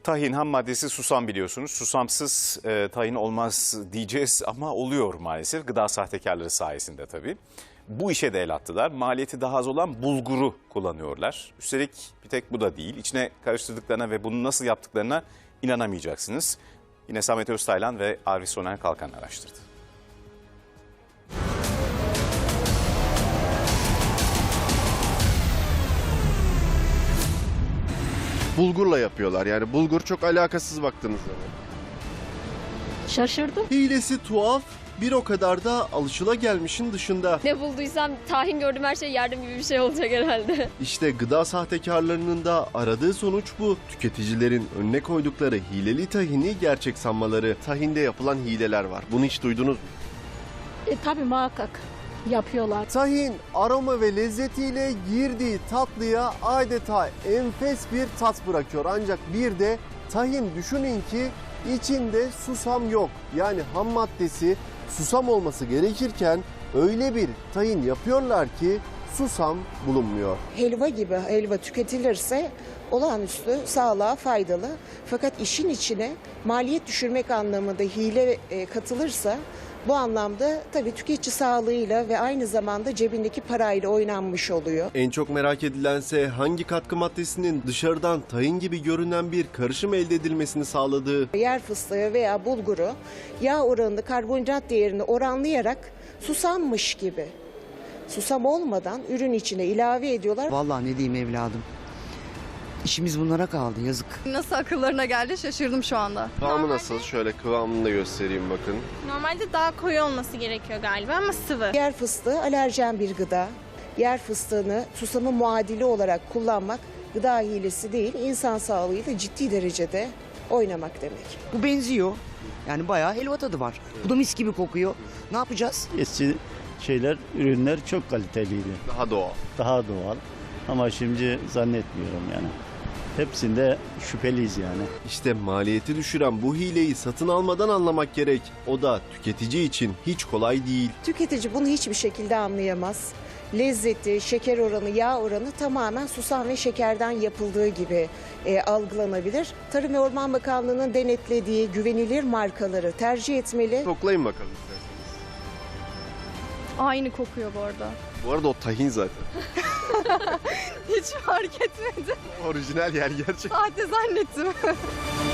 Tahin ham maddesi susam biliyorsunuz. Susamsız tahin olmaz diyeceğiz ama oluyor maalesef. Gıda sahtekarları sayesinde tabii. Bu işe de el attılar. Maliyeti daha az olan bulguru kullanıyorlar. Üstelik bir tek bu da değil. İçine karıştırdıklarına ve bunu nasıl yaptıklarına inanamayacaksınız. Yine Samet Öztaylan ve Arif Soner Kalkan araştırdı. Bulgurla yapıyorlar. Yani bulgur çok alakasız baktığınız zaman. Şaşırdım. Hilesi tuhaf, bir o kadar da alışılagelmişin dışında. Ne bulduysam tahin gördüm, her şey yardım gibi bir şey olacak herhalde. İşte gıda sahtekarlarının da aradığı sonuç bu. Tüketicilerin önüne koydukları hileli tahini gerçek sanmaları. Tahinde yapılan hileler var. Bunu hiç duydunuz mu? Tabii muhakkak yapıyorlar. Tahin aroma ve lezzetiyle girdiği tatlıya adeta enfes bir tat bırakıyor. Ancak bir de tahin düşünün ki içinde susam yok. Yani ham maddesi susam olması gerekirken öyle bir tahin yapıyorlar ki susam bulunmuyor. Helva gibi helva tüketilirse olağanüstü sağlığa faydalı. Fakat işin içine maliyet düşürmek anlamında hile katılırsa bu anlamda tabii tüketici sağlığıyla ve aynı zamanda cebindeki parayla oynanmış oluyor. En çok merak edilense hangi katkı maddesinin dışarıdan tahin gibi görünen bir karışım elde edilmesini sağladığı. Yer fıstığı veya bulguru yağ oranını, karbonhidrat değerini oranlayarak susammış gibi, susam olmadan ürün içine ilave ediyorlar. Vallahi ne diyeyim evladım. İşimiz bunlara kaldı, yazık. Nasıl akıllarına geldi şaşırdım şu anda. Kıvamı nasıl? Şöyle kıvamını da göstereyim bakın. Normalde daha koyu olması gerekiyor galiba ama sıvı. Yer fıstığı alerjen bir gıda. Yer fıstığını susamın muadili olarak kullanmak gıda hilesi değil, insan sağlığıyla ciddi derecede oynamak demek. Bu benziyor. Yani bayağı helva tadı var. Bu da mis gibi kokuyor. Ne yapacağız? Eski ürünler çok kaliteliydi. Daha doğal. Daha doğal. Ama şimdi zannetmiyorum yani. Hepsinde şüpheliyiz yani. İşte maliyeti düşüren bu hileyi satın almadan anlamak gerek. O da tüketici için hiç kolay değil. Tüketici bunu hiçbir şekilde anlayamaz. Lezzeti, şeker oranı, yağ oranı tamamen susam ve şekerden yapıldığı gibi algılanabilir. Tarım ve Orman Bakanlığı'nın denetlediği güvenilir markaları tercih etmeli. Koklayın bakalım isterseniz. Aynı kokuyor bu arada. Bu arada o tahin zaten. Hiç fark etmedim. Orijinal yer gerçek. Sahte zannettim.